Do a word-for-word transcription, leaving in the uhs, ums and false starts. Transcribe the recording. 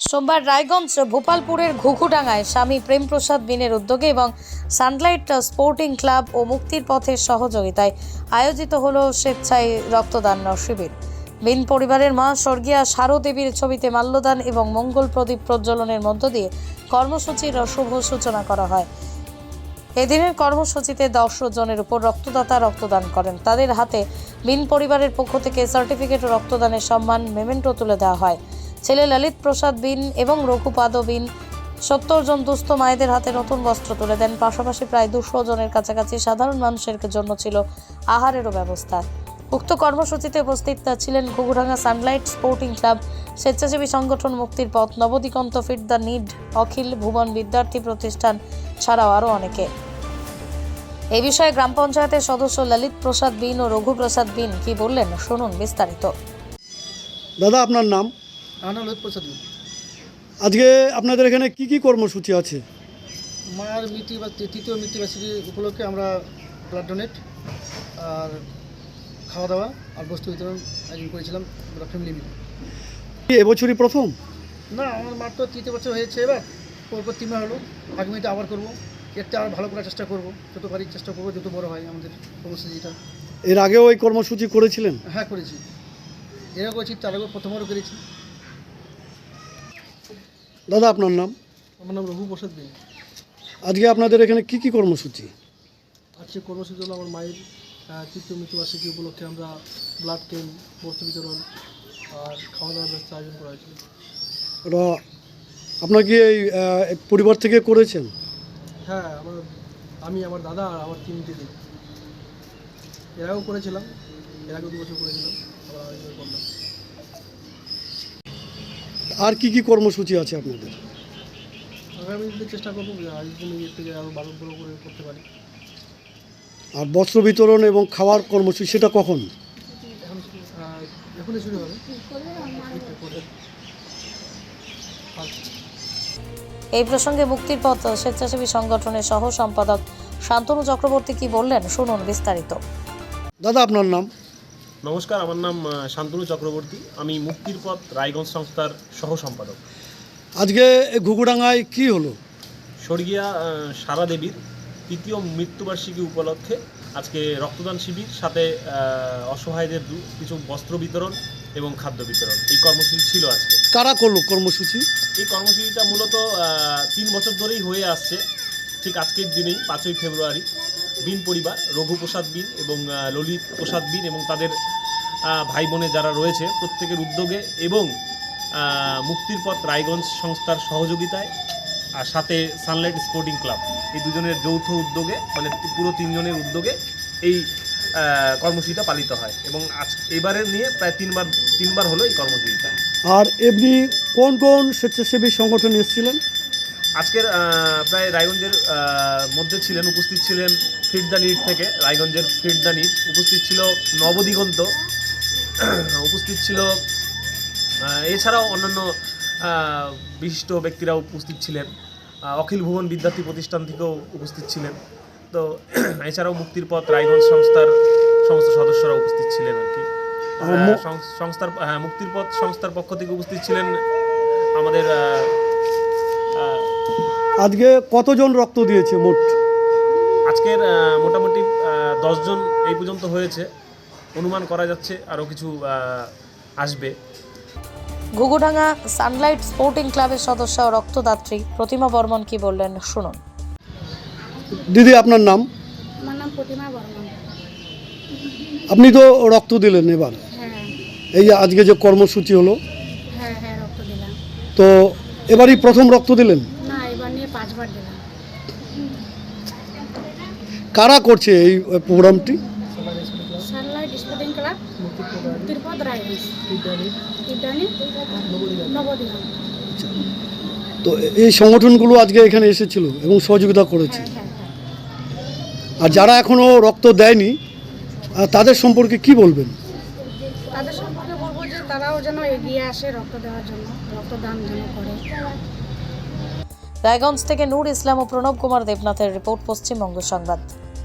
সোমবার রায়গঞ্জ ভোপালপুরের ঘুঘুডাঙ্গায় স্বামী প্রেমপ্রসাদ বিনের উদ্যোগে এবং সানলাইট স্পোর্টিং ক্লাব ও মুক্তির পথের সহযোগিতায় আয়োজিত হলো স্বেচ্ছায় রক্তদান শিবির। বিন পরিবারের মা স্বর্গীয়া সারো দেবীর ছবিতে মাল্যদান এবং মঙ্গল প্রদীপ প্রজ্বলনের মধ্য দিয়ে কর্মসূচির শুভ সূচনা করা হয়। এদিনের কর্মসূচিতে দশ জনের উপর রক্তদাতা রক্তদান করেন। তাদের হাতে বিন পরিবারের পক্ষ থেকে সার্টিফিকেট ও রক্তদানের সম্মান মেমেন্টো তুলে দেওয়া হয়। ছেলে ললিত প্রসাদ বিন এবং রঘুপাদ বিন সত্তর জন দুস্থ মায়েদের হাতে নতুন বস্ত্র তুলে দেন। পাশাপাশি প্রায় দুশো জনের কাছাকাছি সাধারণ মানুষের জন্য ছিল আহারেরও ব্যবস্থা। উক্ত কর্মসূচিতে উপস্থিত ছিলেন ঘুঘুডাঙ্গা সানলাইট স্পোর্টিং ক্লাব, স্বেচ্ছাসেবী সংগঠন মুক্তির পথ, Nabadiganta, feed the need, Akhil Bhuban Vidyarthi Pratishthan ছাড়াও আরও অনেকে। এই বিষয়ে গ্রাম পঞ্চায়েতের সদস্য ললিত প্রসাদ বিন ও রঘু প্রসাদ বিন কি বললেন শুনুন বিস্তারিত। দাদা, আপনার নাম? আমার নাম ললিত প্রসাদ বিন। আজকে আপনাদের এখানে কি কি কর্মসূচি আছে? মায়ের মৃত্যু বা তৃতীয় মৃত্যুবার্ষিকী উপলক্ষে আমরা ব্লাড ডোনেট আর খাওয়া দাওয়া আর বস্তু বিতরণ আয়োজন করেছিলাম আমরা ফ্যামিলি মিলে। কি এবছরই প্রথম? না, আমার মার তো তৃতীয় বছর হয়েছে, এবার পরপর তিন মাস হলো। আগামীতে আবার করবো, এরটা আর ভালো করার চেষ্টা করবো, যত পারি চেষ্টা করবো, যত বড় হয় আমাদের কর্মসূচিটা। এর আগেও এই কর্মসূচি করেছিলেন? হ্যাঁ, করেছি, এরা করেছি, তার আগেও প্রথমবারও করেছি। দাদা, আপনার নাম? আমার নাম রঘু প্রসাদ বিন। আজকে আপনাদের এখানে কি কি কর্মসূচি? আজকে কর্মসূচি হলো আমার মায়ের তৃতীয় মৃত্যুবার্ষিকী উপলক্ষে আমরা ব্লাড ক্যাম্প, বস্তু বিতরণ আর খাওয়া দাওয়ার ব্যবস্থা আয়োজন করা হয়েছিল। ওটা আপনার কি এই পরিবার থেকে করেছেন? হ্যাঁ, আমার আমি, আমার দাদা আর আমার তিন দিদি এর আগেও করেছিলাম, এর আগেও দু বছর করেছিলাম, আবার আরেকবার করলাম। আর কি কি কর্মসূচি আছে আপনাদের? আগামী দিনে চেষ্টা করবো আজকের জন্য এর থেকে আরও ভালো বড়ো করে করতে পারি। আর বস্ত্র বিতরণ এবং খাওয়ার কর্মসূচি সেটা কখন? এখন এখনই শুরু হবে। এই প্রসঙ্গে মুক্তির পথ স্বেচ্ছাসেবী সংগঠনের সহ সম্পাদক শান্তনু চক্রবর্তী কি বললেন শুনুন বিস্তারিত। দাদা, আপনার নাম? নমস্কার, আমার নাম শান্তনু চক্রবর্তী। আমি মুক্তির পথ রায়গঞ্জ সংস্থার সহ সম্পাদক। আজকে ঘুঘুডাঙ্গায় কি হলো? স্বর্গীয়া সারা দেবীর তৃতীয় মৃত্যুবার্ষিকী উপলক্ষে আজকে রক্তদান শিবির, সাথে অসহায়দের কিছু বস্ত্র বিতরণ এবং খাদ্য বিতরণ, এই কর্মসূচি ছিল আজকে। কারা করলো কর্মসূচি? এই কর্মসূচিটা মূলত তিন বছর ধরেই হয়ে আসছে। ঠিক আজকের দিনেই পাঁচই ফেব্রুয়ারি বিন পরিবার, রঘু প্রসাদ বিন এবং ললিত প্রসাদ বিন এবং তাদের ভাই বোনে যারা রয়েছে প্রত্যেকের উদ্যোগে এবং মুক্তির পথ রায়গঞ্জ সংস্থার সহযোগিতায় আর সাথে সানলাইট স্পোর্টিং ক্লাব, এই দুজনের যৌথ উদ্যোগে, মানে পুরো তিনজনের উদ্যোগে এই কর্মসূচিটা পালিত হয় এবং আজ এবারে নিয়ে প্রায় তিনবার তিনবার হলো এই কর্মসূচিটা। আর এমনি কোন কোন স্বেচ্ছাসেবী সংগঠন এসেছিলেন? আজকের প্রায় রায়গঞ্জের মধ্যে ছিলেন, উপস্থিত ছিলেন ফিট দ্য নিড থেকে, রায়গঞ্জের ফিট দ্য নিড, উপস্থিত ছিল নবদিগন্ত, উপস্থিত ছিল এছাড়াও অন্যান্য বিশিষ্ট ব্যক্তিরা উপস্থিত ছিলেন, অখিল ভুবন বিদ্যার্থী প্রতিষ্ঠান থেকেও উপস্থিত ছিলেন। তো এছাড়াও মুক্তির পথ রায়গঞ্জ সংস্থার সমস্ত সদস্যরা উপস্থিত ছিলেন আর কি। সংস্থার হ্যাঁ মুক্তির পথ সংস্থার পক্ষ থেকে উপস্থিত ছিলেন আমাদের। আজকে কতজন রক্ত দিয়েছে মোট? আজকের মোটামুটি দশজন এই পর্যন্ত হয়েছে, অনুমান করা যাচ্ছে আরও কিছু আসবে। ঘুঘুডাঙ্গা সানলাইট স্পোর্টিং ক্লাবের সদস্য ও রক্তদাত্রী প্রতিমা বর্মন কি বললেন শুনুন। দিদি, আপনার নাম? আমার নাম প্রতিমা বর্মন। আপনি তো রক্ত দিলেন এবার, হ্যাঁ এই আজকে যে কর্মসূচি হলো, হ্যাঁ হ্যাঁ রক্ত দিলাম। তো এবারই প্রথম রক্ত দিলেন? না, এবার নিয়ে পাঁচবার দিলাম। কারা করছে এই প্রোগ্রামটি? সানলাইট স্পোর্টিং ক্লাব, মুক্তির পথ রায়গঞ্জ, ইদানি নবদিগন্ত। তো এই সংগঠনগুলো আজকে এখানে এসেছিল এবং সহযোগিতা করেছে। হ্যাঁ হ্যাঁ হ্যাঁ। আর যারা এখনও রক্ত দেয়নি তাদের সম্পর্কে কি বলবেন? তাদের সম্পর্কে বলবো যে তারাও যেন এগিয়ে আসে রক্ত দেওয়ার জন্য, রক্তদান যেন করে। রায়গঞ্জ থেকে নূর ইসলাম ও প্রণব কুমার দেবনাথের রিপোর্ট, পশ্চিমবঙ্গ সংবাদ।